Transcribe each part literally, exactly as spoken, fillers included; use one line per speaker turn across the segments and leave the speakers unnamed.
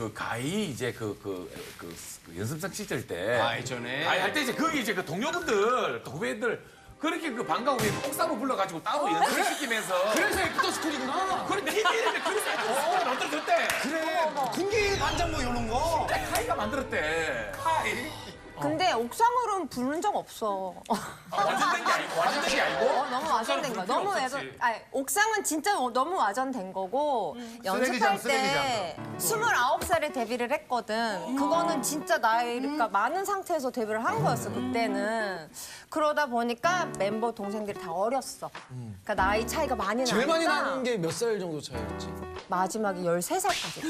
그 가히 이제 그, 그, 그, 그 연습생 시절 때.
아, 예전에.
가히 할 때 이제 거기 이제 그 동료분들, 또 후배들. 그렇게 그 방과 후에 옥상으로 불러가지고 따로 연습을 시키면서.
그래서 애프터 스쿨이구나.
그래, 티비에 그래서 애프터 만들어줬대.
그래, 군기 반장 뭐 이런 거.
카이가 만들었대. 카이.
근데 옥상으로는 부른 적 없어.
완전된 게 아니고, 완전된 게 아니고.
어, 너무 와전된 거야. 너무
없었지.
애가, 아니, 옥상은 진짜 너무 와전된 거고
쓰레기장,
연습할
쓰레기장
때 스물아홉 살에 데뷔를 했거든. 그거는 진짜 나이가 많은 상태에서 데뷔를 한 거였어 그때는. 그러다 보니까 mem버 동생들이 다 어렸어. 그러니까 나이 차이가 많이 나니까.
제일 많이 나는 게 몇 살 정도 차이였지?
마지막에 열세 살까지.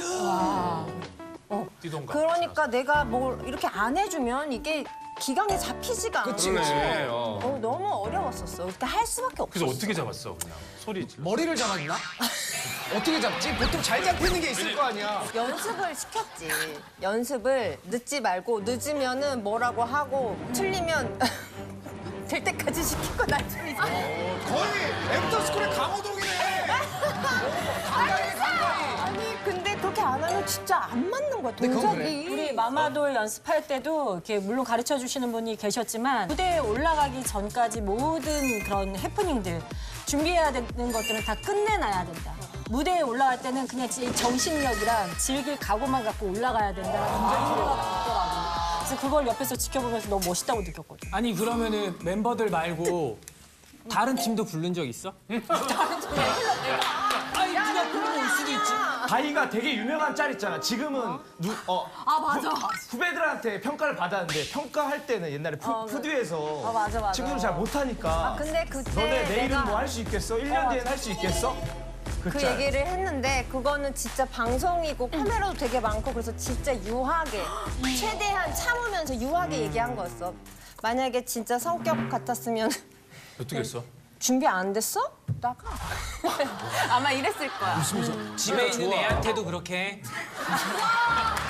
띠동갑.
그러니까 내가 뭘 이렇게 안 해주면 이게 기강에 잡히지가 않아.
그치,
그치.
어,
어.
너무 어려웠었어. 그때 할 수밖에 없었어.
그래서 어떻게 잡았어 그냥 소리 질러.
머리를 잡았나? 어떻게 잡지? 보통 잘 잡히는 게 있을 거 아니야.
연습을 시켰지. 연습을 늦지 말고 늦으면은 뭐라고 하고 틀리면 될 때까지 시키고 나중에
거의 애프터 스쿨의 강호동이네.
아니 근데 그렇게 안 하면 진짜 안 맞는 거야
그건
동작이.
그래.
우리 마마돌 연습할 때도 이렇게 물론 가르쳐 주시는 분이 계셨지만 무대에 올라가기 전까지 모든 그런 해프닝들 준비해야 되는 것들은 다 끝내놔야 된다. 무대에 올라갈 때는 그냥 지- 정신력이랑 즐길 각오만 갖고 올라가야 된다는 생각이 있더라고. 그래서 그걸 옆에서 지켜보면서 너무 멋있다고 느꼈거든.
아니 그러면은 멤버들 말고 다른 팀도 부른 적 있어? 아니 누가 부르면 올 수도 있지.
바이가 되게 유명한 짤 있잖아. 지금은 누, 어,
아 맞아.
후배들한테 평가를 받았는데 평가할 때는 옛날에 푸,
어, 그-
푸드에서
어, 맞아, 맞아.
친구들 잘 못하니까
아 근데 그때
너네 내일은
내가
뭐 할 수 있겠어? 일 년 뒤엔 할 수 있겠어? 그,
그
짤.
얘기를 했는데 그거는 진짜 방송이고 카메라도 되게 많고 그래서 진짜 유하게 최대한 참으면서 유하게 얘기한 거였어. 만약에 진짜 성격 같았으면
어떻게 했어?
준비 안 됐어? 나가. 아마 이랬을 거야.
집에 있는 애한테도 그렇게.